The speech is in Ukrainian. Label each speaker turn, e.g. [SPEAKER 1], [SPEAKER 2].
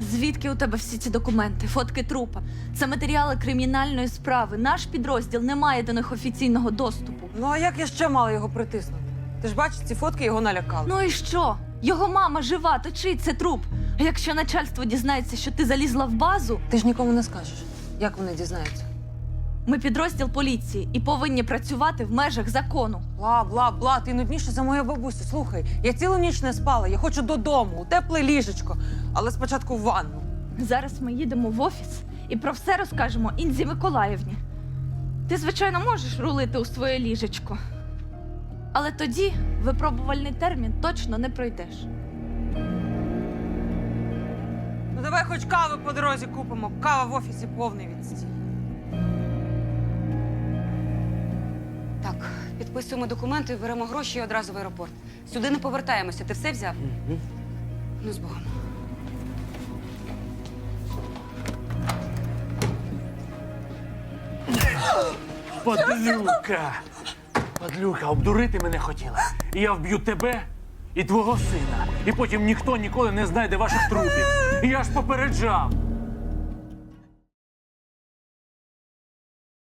[SPEAKER 1] Звідки у тебе всі ці документи, фотки трупа? Це матеріали кримінальної справи. Наш підрозділ не має до них офіційного доступу.
[SPEAKER 2] Ну а як я ще мала його притиснути? Ти ж бачиш, ці фотки його налякали.
[SPEAKER 1] Ну і що? Його мама жива, то чий це труп? А якщо начальство дізнається, що ти залізла в базу,
[SPEAKER 2] Ти ж нікому не скажеш. Як вони дізнаються?
[SPEAKER 1] ми підрозділ поліції і повинні працювати в межах закону.
[SPEAKER 2] Бла, ти нудніше за мою бабусю. Слухай, я цілу ніч не спала, я хочу додому, у тепле ліжечко, але спочатку в ванну.
[SPEAKER 1] Зараз ми їдемо в офіс і про все розкажемо Інзі Миколаївні. Ти, звичайно, можеш рулити у своє ліжечко. Але тоді випробувальний термін точно не пройдеш.
[SPEAKER 2] Ну давай хоч кави по дорозі купимо. Кава в офісі повний відстій.
[SPEAKER 3] Так, підписуємо документи, беремо гроші і одразу в аеропорт. Сюди не повертаємося. Ти все взяв? Ну, з Богом.
[SPEAKER 4] Подлюка! Подлюка, обдурити мене хотіла. І я вб'ю тебе і твого сина. І потім ніхто ніколи не знайде ваших трупів. І я ж попереджав.